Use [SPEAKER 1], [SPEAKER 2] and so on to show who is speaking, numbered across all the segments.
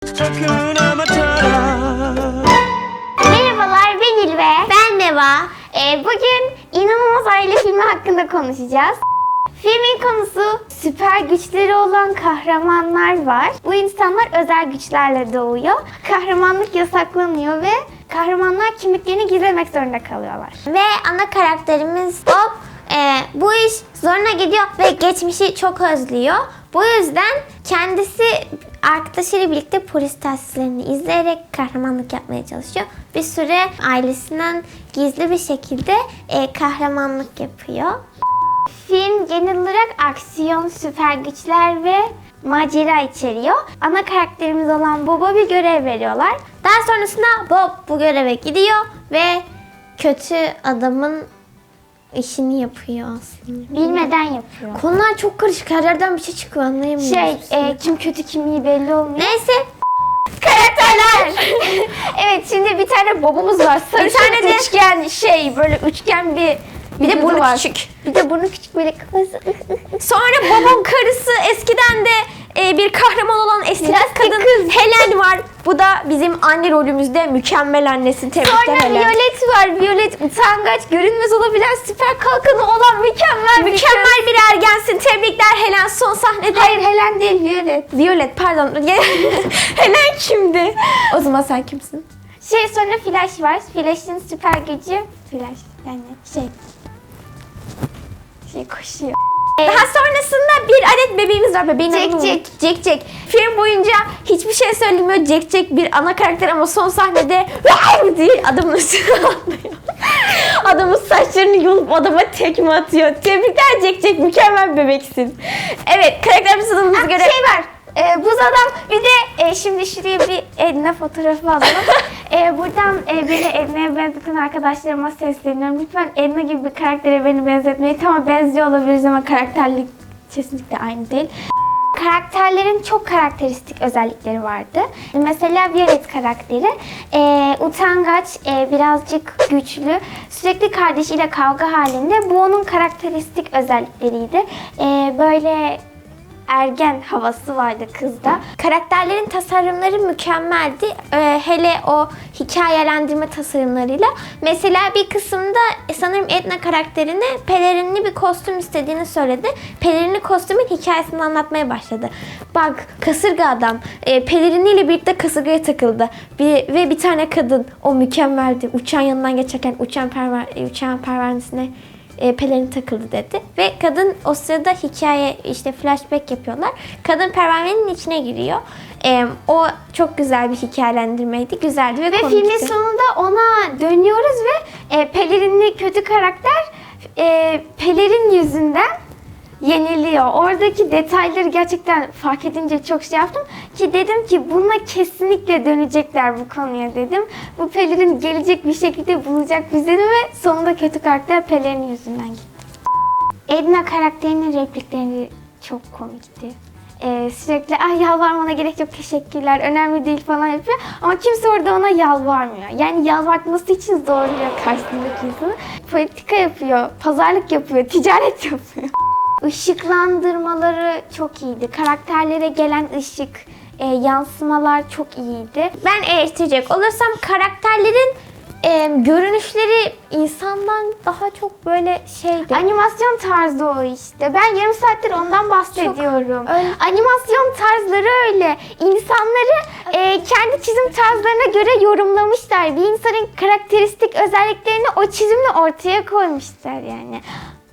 [SPEAKER 1] Merhabalar, ben İlve. Ben Neva. Bugün İnanılmaz Aile filmi hakkında konuşacağız. Filmin konusu süper güçleri olan kahramanlar var. Bu insanlar özel güçlerle doğuyor. Kahramanlık yasaklanıyor ve kahramanlar kimliklerini gizlemek zorunda kalıyorlar. Ve ana karakterimiz Bob bu iş zoruna gidiyor ve geçmişi çok özlüyor. Bu yüzden kendisi arkadaşıyla birlikte polis telsizlerini izleyerek kahramanlık yapmaya çalışıyor. Bir süre ailesinden gizli bir şekilde kahramanlık yapıyor. Film genel olarak aksiyon, süper güçler ve macera içeriyor. Ana karakterimiz olan Bob'a bir görev veriyorlar. Daha sonrasında Bob bu göreve gidiyor ve kötü adamın işini yapıyor aslında. Bilmeden yapıyor. Konular çok karışık. Her yerden bir şey çıkıyor, anlayamıyoruz. Kim kötü kim iyi belli olmuyor. Neyse. Karakterler. Evet, şimdi bir tane Bob'umuz var. Sarı bir tane de üçgen böyle üçgen bir de burnu küçük. Bir de burnu küçük böyle kafası. Sonra Bob'un karısı eskiden de bir kahraman olan estetik kadın kız Helen var. Bu da bizim anne rolümüzde mükemmel annesi. Tebrikler Helen. Sonra Violet var. Violet utangaç, görünmez olabilen, süper kalkanı olan mükemmel bir ergensin. Tebrikler Helen son sahnede. Hayır, Helen değil, Violet. Violet pardon. Helen kimdi? O zaman sen kimsin? Sonra Flash var. Flash'ın süper gücü Flash yani koşuyor. Daha sonrasında bir adet bebeğimiz var. Bebeğin Jack. Film boyunca hiçbir şey söylemiyor. Jack bir ana karakter ama son sahnede diye adamın üstüne atlıyor. Adamın saçlarını yolup adama tekme atıyor. Tebrikler Jack, mükemmel bir bebeksin. Evet, karakterimiz adımıza göre... var. Buz adam bir de şimdi şuraya bir Edna fotoğrafı alalım. Buradan beni Edna'ya benzeten arkadaşlarıma sesleniyorum. Lütfen Edna gibi bir karaktere beni benzetmeyin. Tamam, benziyor olabiliriz ama karakterlik kesinlikle aynı değil. Karakterlerin çok karakteristik özellikleri vardı. Mesela Violet karakteri utangaç, birazcık güçlü, sürekli kardeşiyle kavga halinde. Bu onun karakteristik özellikleriydi. Böyle ergen havası vardı kızda. Karakterlerin tasarımları mükemmeldi. Hele o hikayelendirme tasarımlarıyla. Mesela bir kısımda sanırım Edna karakterine pelerinli bir kostüm istediğini söyledi. Pelerinli kostümün hikayesini anlatmaya başladı. Bak, kasırga adam peleriniyle birlikte kasırgaya takıldı. Ve bir tane kadın, o mükemmeldi. Uçağın yanından geçerken uçağın pervanesine pelerin takıldı dedi. Ve kadın o sırada flashback yapıyorlar. Kadın pervanenin içine giriyor. O çok güzel bir hikayelendirmeydi. Güzeldi ve komikti. Filmin sonunda ona dönüyoruz ve pelerinli kötü karakter pelerin yüzünden yeniliyor. Oradaki detayları gerçekten fark edince çok yaptım ki dedim ki buna kesinlikle dönecekler bu konuya dedim. Bu pelerin gelecek bir şekilde bulacak bizleri ve sonunda kötü karakter pelerin yüzünden gitti. Edna karakterinin replikleri çok komikti. Sürekli yalvarmana gerek yok, teşekkürler, önemli değil falan yapıyor ama kimse orada ona yalvarmıyor. Yani yalvartması için zorluyor karşısındaki insanı. Politika yapıyor, pazarlık yapıyor, ticaret yapıyor. Işıklandırmaları çok iyiydi. Karakterlere gelen ışık, yansımalar çok iyiydi. Ben eleştirecek olursam karakterlerin görünüşleri insandan daha çok böyle şeydi. Animasyon tarzı o işte. Ben yarım saattir ondan bahsediyorum. Animasyon tarzları öyle. İnsanları kendi çizim tarzlarına göre yorumlamışlar. Bir insanın karakteristik özelliklerini o çizimle ortaya koymuşlar yani.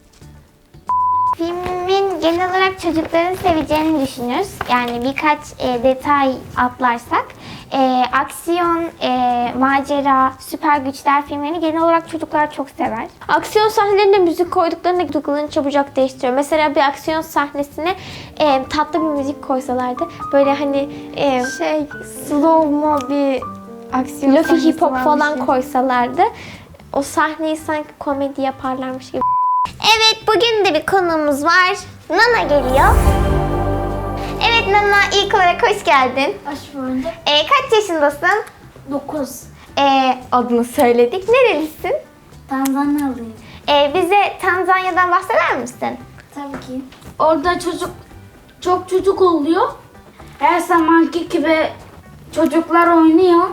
[SPEAKER 1] Filmin genel olarak çocukların seveceğini düşünüyoruz. Yani birkaç detay atlarsak. Aksiyon, macera, süper güçler filmlerini genel olarak çocuklar çok sever. Aksiyon sahnelerinde müzik koyduklarında duygularını çabucak değiştiriyor. Mesela bir aksiyon sahnesine tatlı bir müzik koysalardı. Böyle hani slow mo bir aksiyon Lofi hip hop falan koysalardı. O sahneyi sanki komedi yaparlarmış gibi. Evet, bugün de bir konuğumuz var. Nana geliyor. Evet Nana, ilk olarak hoş geldin.
[SPEAKER 2] Hoş bulduk.
[SPEAKER 1] Kaç yaşındasın?
[SPEAKER 2] 9.
[SPEAKER 1] Adını söyledik. Nerelisin?
[SPEAKER 2] Tanzanyalıyım.
[SPEAKER 1] Bize Tanzanya'dan bahseder misin?
[SPEAKER 2] Tabii ki. Orada çok çocuk oluyor. Her zamanki gibi Çocuklar oynuyor.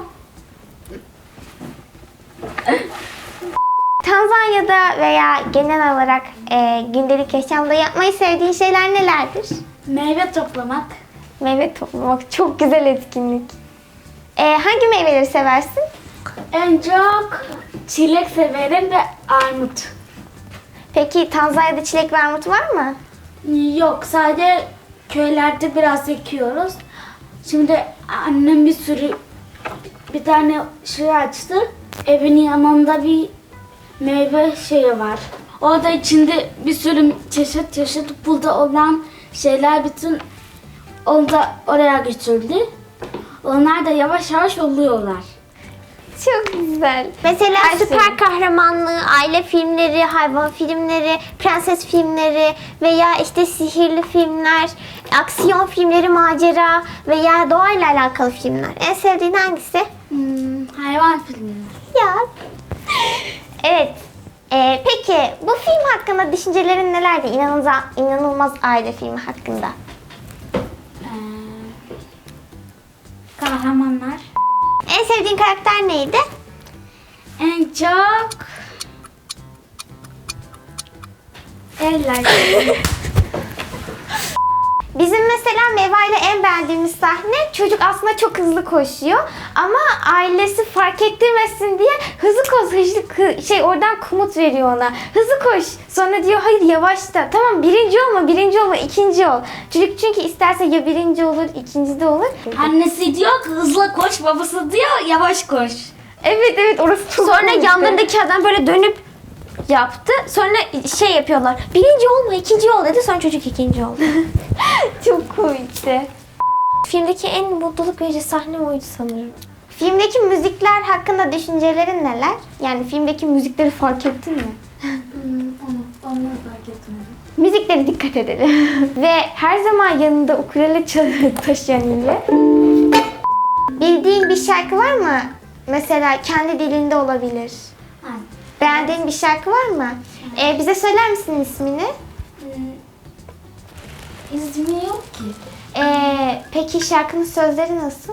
[SPEAKER 1] Tanzanya'da veya genel olarak gündelik yaşamda yapmayı sevdiğin şeyler nelerdir?
[SPEAKER 2] Meyve toplamak.
[SPEAKER 1] Meyve toplamak çok güzel etkinlik. Hangi meyveleri seversin?
[SPEAKER 2] En çok çilek severim ve armut.
[SPEAKER 1] Peki Tanzanya'da çilek ve armut var mı?
[SPEAKER 2] Yok, sadece köylerde biraz ekiyoruz. Şimdi annem bir tane şey açtı. Evinin yanında bir meyve şeyi var. Orada içinde bir sürü çeşit burada olan şeyler bütün onu da oraya götürdü. Onlar da yavaş yavaş oluyorlar.
[SPEAKER 1] Çok güzel. Mesela süper kahramanlığı, aile filmleri, hayvan filmleri, prenses filmleri veya işte sihirli filmler, aksiyon filmleri, macera veya doğayla alakalı filmler. En sevdiğin hangisi?
[SPEAKER 2] Hayvan filmi.
[SPEAKER 1] Ya. Evet. Peki bu film hakkında düşüncelerin nelerdi? İnanılmaz aile filmi hakkında.
[SPEAKER 2] Kahramanlar.
[SPEAKER 1] En sevdiğin karakter neydi?
[SPEAKER 2] En çok eller.
[SPEAKER 1] Bizim mesela Meva ile en beğendiğimiz sahne, çocuk aslında çok hızlı koşuyor ama ailesi fark ettirmesin diye oradan komut veriyor ona. Hızlı koş. Sonra diyor hayır yavaşla. Tamam birinci olma, ikinci ol. Çocuk çünkü isterse ya birinci olur, ikinci de olur.
[SPEAKER 2] Annesi diyor ki hızlı koş, babası diyor yavaş koş.
[SPEAKER 1] Evet orası çok Sonra komikti. Yanlarındaki adam böyle dönüp yaptı. Sonra şey yapıyorlar. Birinci olma, ikinci ol dedi. Sonra çocuk ikinci oldu. Çok komikti. Filmdeki en mutluluk verici sahne oydu sanırım. Filmdeki müzikler hakkında düşüncelerin neler? Yani filmdeki müzikleri fark ettin mi?
[SPEAKER 2] Onu fark etmedim.
[SPEAKER 1] Müziklere dikkat edelim. Ve her zaman yanında ukulele taşıyan ile. Bildiğin bir şarkı var mı? Mesela kendi dilinde olabilir. Beğendiğin bir şarkı var mı? Bize söyler misin ismini?
[SPEAKER 2] İsmi yok ki.
[SPEAKER 1] Peki şarkının sözleri nasıl?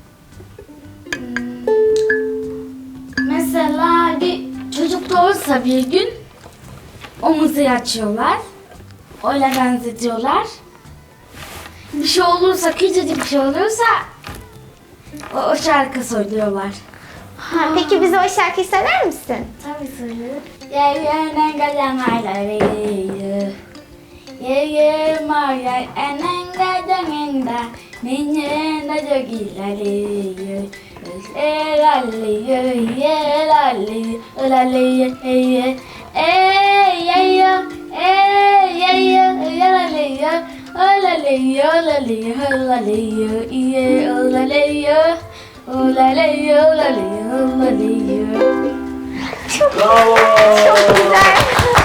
[SPEAKER 2] Mesela bir çocuk doğursa bir gün omuzu açıyorlar. Öyle benzetiyorlar. Bir şey olursa, küçücük bir şey olursa o şarkı söylüyorlar.
[SPEAKER 1] Peki bize o şarkıyı söyler misin?
[SPEAKER 2] Tabii söylüyorum. Yeye'nen galanayları. Yeye maya enen gadangenda. Ninye na jogiları. Elalli elalli elalli eye. Eyeya eyeya elalli elalli elalli elalli eye elalli. Olaley olaley olaley.
[SPEAKER 1] Çok güzel.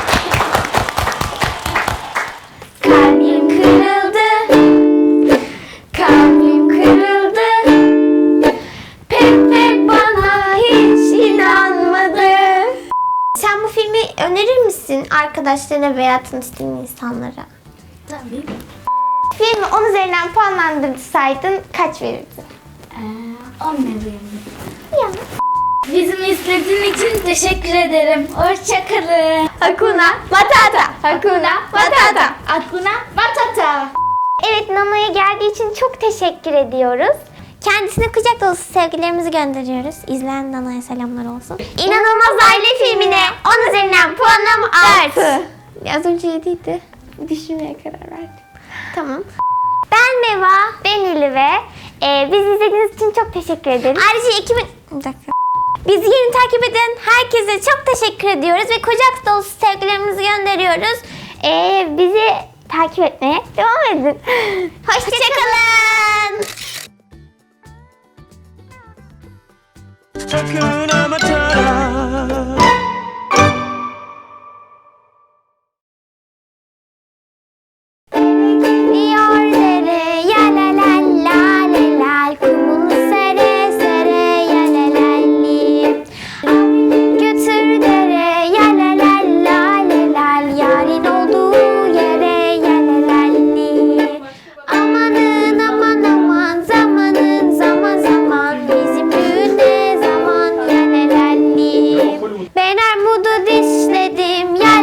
[SPEAKER 1] Kalbim kırıldı. Kalbim kırıldı. Pepe bana hiç inanmadı. Sen bu filmi önerir misin arkadaşlarına veya tanıştığın insanlara?
[SPEAKER 2] Tabii.
[SPEAKER 1] Filmi 10 üzerinden puanlandırsaydın kaç verirdin?
[SPEAKER 2] 10 veriyorum.
[SPEAKER 1] Ya.
[SPEAKER 2] Bizim izlediğin için teşekkür ederim. Hoşçakalın.
[SPEAKER 1] Hakuna Matata. Hakuna Matata.
[SPEAKER 2] Hakuna Matata.
[SPEAKER 1] Evet, Nana'ya geldiği için çok teşekkür ediyoruz. Kendisine kucak dolusu sevgilerimizi gönderiyoruz. İzleyen Nana'ya selamlar olsun. İnanılmaz Aile filmine 10 üzerinden puanım 6. Az önce 7'ydi. Düşünmeye karar verdim. Tamam. Ben Meva, ben Ülüve. Bizi izlediğiniz için çok teşekkür ederiz. Ayrıca Bir dakika. Bizi yeni takip eden herkese çok teşekkür ediyoruz ve kucak dolusu sevgilerimizi gönderiyoruz. Bizi takip etmeye devam edin. Hoşçakalın.
[SPEAKER 3] Hakuna Matata.
[SPEAKER 1] Diyor dere ya la la la la la, kumunu sere sere ya la la li. Götür dere ya la la la la la, yarın olduğu yere ya la la li. Amanın aman aman, zamanın zaman zaman. Ben armudu dişledim,